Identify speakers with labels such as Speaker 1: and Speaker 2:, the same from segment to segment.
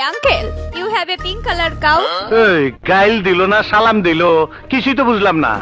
Speaker 1: uncle, you have a pink color cow?
Speaker 2: এই গাইল দিল না সালাম দিল কিছুই তো বুঝলাম না।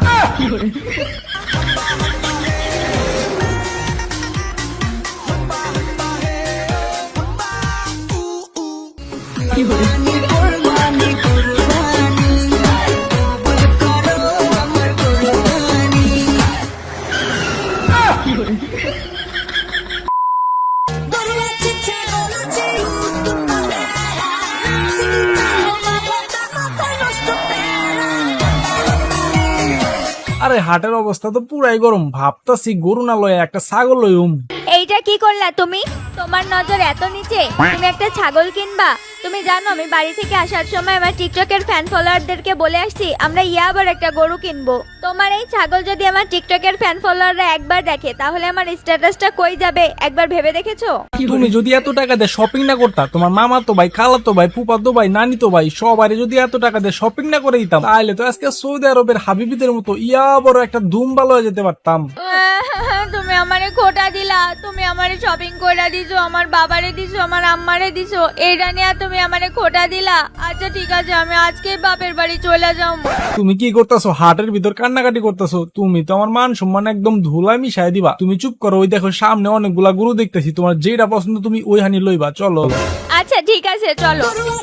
Speaker 3: আরে হাটের অবস্থা তো পুরাই গরম, ভাবতাছি গরু না লয়ে একটা ছাগল লইম।
Speaker 1: এইটা কি করলা তুমি? তোমার নজর এত নিচে, তুমি একটা ছাগল কিনবা? তুমি জানো আমি বাড়ি থেকে আসার সময় আমার টিকটকের ফ্যান ফলোয়ারদেরকে বলে আসছি আমরা আবার একটা গরু কিনবো। তোমার এই ছাগল যদি আমার টিকটকের ফ্যান ফলোয়াররা একবার দেখে তাহলে আমার স্ট্যাটাসটা কই যাবে একবার ভেবে দেখেছো?
Speaker 3: তুমি যদি এত টাকা দিয়ে শপিং না করতা, তোমার মামা তো ভাই, খালা তো ভাই, ফুপা তো ভাই, নানি তো ভাই, সবাই যদি এত টাকা দিয়ে শপিং না করে দিতাম তাহলে তো আজকে সৌদি আরবের হাবিবিদের মতো বড় একটা ধুম ভালো হয়ে যেতে পারতাম।
Speaker 1: তুমি আমারে খোটা দিলা, তুমি আমারে শপিং কইরা দিছো, আমার বাবারে দিছো, আমার আম্মারে দিছো, এইটা নিয়ে তুমি আমারে খোটা দিলা। আচ্ছা ঠিক আছে, আমি আজকেই বাপের বাড়ি চলে যাও।
Speaker 3: তুমি কি করতেছো? হাটের ভিতর কান্নাকাটি করতেছো? তুমি তো আমার মান সম্মান একদম ধুলায় মিশাই দিবা। তুমি চুপ করো, ওই দেখো সামনে অনেকগুলা গরু দেখতেছি, তোমার যেটা পছন্দ তুমি ওই হানি লইবা। চলো।
Speaker 1: আচ্ছা ঠিক আছে চলো।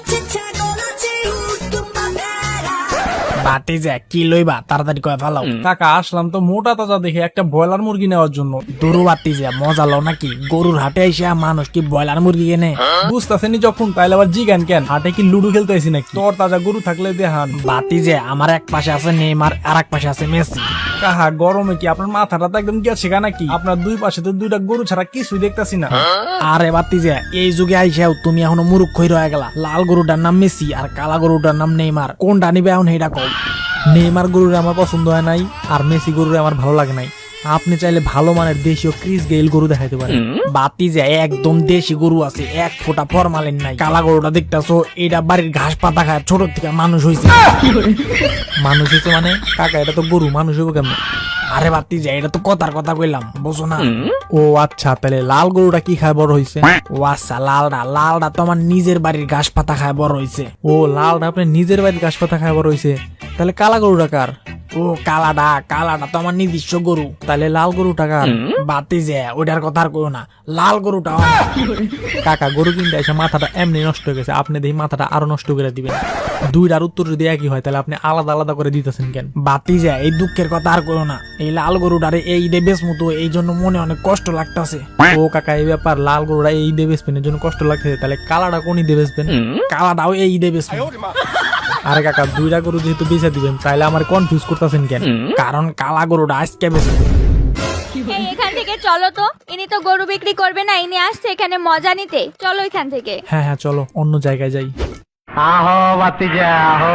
Speaker 4: বাতি যে কি লইবা তাড়াতাড়ি কয়ে ফেলাও।
Speaker 3: কাকা আসলাম তো মোটা তাজা দেখে একটা ব্রয়লার মুরগি নেওয়ার জন্য।
Speaker 4: দুরু বাতি যে মজা লো নাকি? গরুর হাটে এসে মানুষ কি ব্রয়লার মুরগি কেনে?
Speaker 3: বুঝতেছেনি যখন তাইলে আবার জিগান কেন? হাটে কি লুডু খেলতে আইছি নাকি? তোর তাজা গরু থাকলে দেখান।
Speaker 4: বাতি যে আমার এক পাশে আছে নেইমার আর এক পাশে আছে মেসি।
Speaker 3: কাহা গরমে কি আপনার মাথাটা তো একদম গেছে গা নাকি? আপনার দুই পাশে তো দুইটা গরু ছাড়া কিছুই দেখতাছি না।
Speaker 4: আরে বাতি যে এই যুগে আইসাও তুমি এখনো মুরুখ হয়ে রয়ে গেলা। লাল গরুটার নাম মেসি আর কালা গরুটার নাম নেইমার, কোনটা নিবে এখন এইটা কও। নেইমার গরুর আমার পছন্দ হয় নাই আর মেসি গরুর আমার ভালো লাগে নাই। আপনি চাইলে ভালো মানের দেশীয় ক্রিস গেইল গরু দেখাইতে পারেন। বাতি যে একদম দেশি গরু আছে, এক ফোঁটা ফরমালিন নাই। কালা গরুটা দেখতেছো, এটা বাড়ির ঘাস পাতা খায়, ছোট থেকে মানুষ হয়েছে।
Speaker 3: মানুষ হয়েছে মানে? কাকা এটা তো গরু, মানুষ হইব কেমন?
Speaker 4: আরে বাতি যে এটা তো কথার কথা কইলাম, বুঝো না?
Speaker 3: ও আচ্ছা, তাহলে লাল গরুটা কি খায় বড় হয়েছে?
Speaker 4: ও আচ্ছা, লালটা তো আমার নিজের বাড়ির ঘাস পাতা খায় বড় হয়েছে।
Speaker 3: ও লালটা আপনি নিজের বাড়ির ঘাস পাতা খায় বড় হয়েছে। তাহলে কালা গরুটা কার?
Speaker 4: ও কালাটা তো আমার নিজস্ব গরু।
Speaker 3: তাহলে লাল গরুটা কার?
Speaker 4: বাতি যে ওইটার কথা আর কইও না, লাল গরুটা আমার।
Speaker 3: কাকা গরু কিনতে এসে মাথাটা এমনি নষ্ট হয়ে গেছে, আপনি দেখি মাথাটা আরো নষ্ট করে দিবেন। দুইটার উত্তর যদি একই হয় তাহলে আপনি আলাদা আলাদা করে দিতেছেন কেন?
Speaker 4: বাতি যে এই দুঃখের কথা আর কইও না, এই লাল গরুটারে এই দে বেচমু তো, এই জন্য মনে অনেক কষ্ট লাগতাছে।
Speaker 3: ও কাকা এই ব্যাপার, লাল গরুটা এই দে বেচবেন এর জন্য কষ্ট লাগতেছে, তাহলে কালাটা কোনই দে বেচবেন?
Speaker 4: কালাটাও এই দে বেচমু।
Speaker 3: আরে কাকা দুইটা গরু যেহেতু বেচে দিবেন তাহলে আমার কনফিউজ করতেছেন কেন?
Speaker 4: কারণ কালা গরুটা আজকে বেচবো।
Speaker 1: এই এখান থেকে চলো তো, ইনি তো গরু বিক্রি করবে না, ইনি আসছে এখানে মজা নিতে। চলো এখান থেকে।
Speaker 3: হ্যাঁ হ্যাঁ চলো অন্য জায়গায় যাই।
Speaker 2: আহো বাতিজা আহো,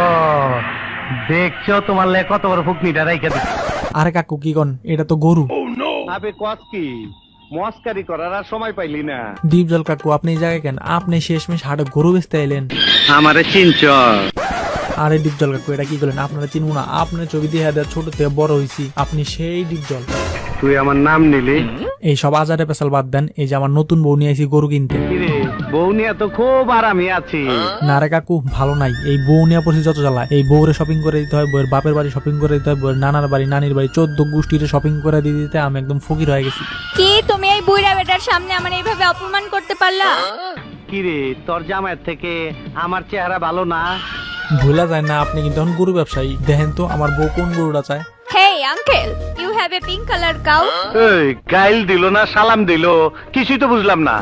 Speaker 2: দেখছো তোমার লে কত বড় ফুকনিটা রাইখা দিচ্ছে।
Speaker 3: আরে কাকু কি কন? এটা তো গরু।
Speaker 2: আবে কস কি মস্কারি করার আর সময় পাইলি না।
Speaker 3: দীপজল কাকু আপনি এই জায়গায় কেন? আপনি শেষমেশ হাটে গরু বেচতে এলেন।
Speaker 2: আমারে চিনছ?
Speaker 3: আরে দীপজল কাকু এটা কি করলেন? আপনারা চিনবো না? আপনার ছবি দিয়ে দেওয়া ছোট থেকে বড় হয়েছি, আপনি সেই দীপজল।
Speaker 2: তুই আমার নাম নিলি?
Speaker 3: এই সব আজারে পেশাল বাদ দেন, এই যে আমার নতুন বউ নিয়ে আইছি গরু কিনতে।
Speaker 2: কিরে বউ নিয়ে তো খুব আরামে আছি।
Speaker 3: না রে কাকু ভালো নাই, এই বউ নিয়ে পড়ছি যত জ্বালায়। এই বউরে শপিং করে দিতে হয়, বউয়ের বাপের বাড়ি শপিং করে দিতে হয়, বউয়ের নানার বাড়ি নানির বাড়ি 14 গোষ্ঠীর শপিং করে দিয়ে দিতে আমি একদম ফকির হয়ে গেছি।
Speaker 1: কি তুমি এই বুইড়া বেটার সামনে আমার এইভাবে অপমান করতে পারলা?
Speaker 2: কিরে তোর জামাইয়ের থেকে আমার চেহারা ভালো না?
Speaker 3: ভুলা যায় না আপনি কিন্তু এখন গরু ব্যবসায়ী। দেখেন তো আমার বউ কোন গরুটা চায়।
Speaker 1: Hey uncle, you have a pink color cow?
Speaker 2: এই গাইল দিল না সালাম দিল কিছুই তো বুঝলাম না।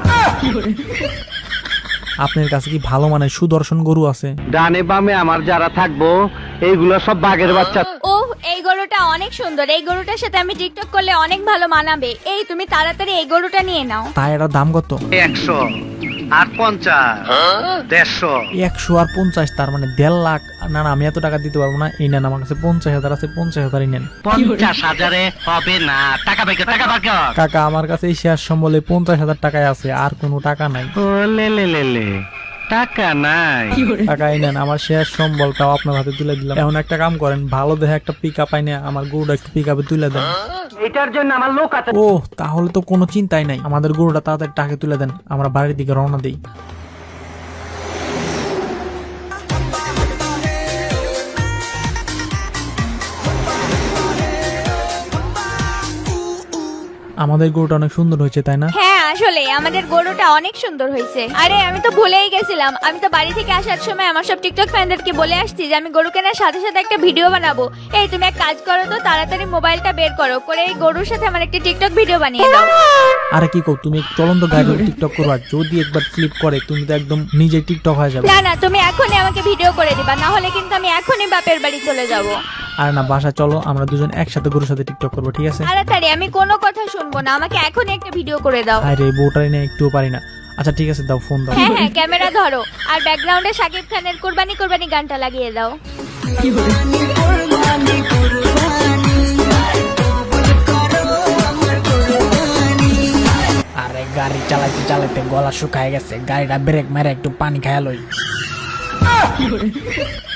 Speaker 3: আপনার কাছে কি ভালো মানের সুদর্শন গরু আছে?
Speaker 2: ডানে বামে আমার যারা থাকবো এইগুলো সব বাঘের বাচ্চা।
Speaker 1: ওহ এই গরুটা অনেক সুন্দর, এই গরুটার সাথে আমি টিকটক করলে অনেক ভালো মানাবে। এই তুমি তাড়াতাড়ি এই গরুটা নিয়ে নাও।
Speaker 3: তাই এটার দাম কত?
Speaker 2: 100 আর 50 150।
Speaker 3: 100 আর 50 তার মানে 1.5 লাখ। না না আমি এত টাকা দিতে পারবো না, এই নেন আমার কাছে 50,000 আছে, 50,000 নেন।
Speaker 2: 50,000-এ হবে না, টাকা বাইকে টাকা বাইকে।
Speaker 3: কাকা আমার কাছে এই শেয়ার সম্বলে 50,000 টাকায় আছে, আর কোনো টাকা নাই।
Speaker 2: ও লে লে লে লে টাকা নাই।
Speaker 3: টাকা এই নেন, আমার শেয়ার সম্বলটাও আপনার হাতে তুলে দিলাম। এখন একটা কাম করেন, ভালো দেখে একটা পিকআপ আইনে আমার গরুটা একটু পিকআপে তুলে দেন।
Speaker 2: এটার জন্য আমার লোক আছে।
Speaker 3: ও তাহলে তো কোনো চিন্তাই নাই, আমাদের গরুটা তাড়াতাড়ি টাকা তুলে দেন, আমরা বাড়ির দিকে রওনা দেই।
Speaker 4: আমাদের গরুটা অনেক সুন্দর হয়েছে তাই না?
Speaker 1: হ্যাঁ আসলে আমাদের গরুটা অনেক সুন্দর হয়েছে। আরে আমি তো ভুলেই গেছিলাম, আমি তো বাড়ি থেকে আসার সময় আমার সব টিকটক ফ্যানদেরকে বলে আসছি যে আমি গরু কেনার সাথে সাথে একটা ভিডিও বানাবো। এই তুমি এক কাজ করো তো, তাড়াতাড়ি মোবাইলটা বের করো, করে এই গরুর সাথে আমার একটা টিকটক ভিডিও বানিয়ে দাও।
Speaker 4: আরে কি কও, তুমি চলন্ত গাড়ি টিকটক করবা, যদি একবার স্লিপ করে তুমি তো একদম নিজে টিকটক হয়ে যাবে।
Speaker 1: না না, তুমি এখনই আমাকে ভিডিও করে দিবা, না হলে কিন্তু আমি এখনই বাপের বাড়ি চলে যাব।
Speaker 4: আর না, বাসা চলো, আমরা দুজন একসাথে গরুর সাথে টিকটক করবো, ঠিক আছে?
Speaker 1: তাড়াতাড়ি, আমি কোনো কথা শুনবো না, আমাকে এখনই একটা ভিডিও করে দাও।
Speaker 4: আরে বউটাই না, একটুও পারি না। আচ্ছা ঠিক আছে, দাও ফোন দাও।
Speaker 1: হ্যাঁ হ্যাঁ, ক্যামেরা ধরো, আর ব্যাকগ্রাউন্ডে শাকিব খানের কুরবানি কুরবানি গানটা লাগিয়ে দাও।
Speaker 4: আরে গাড়ি চালাইতে চালাইতে গলা শুকায় গেছে, গাড়িটা ব্রেক মেরে একটু পানি খায়া লই।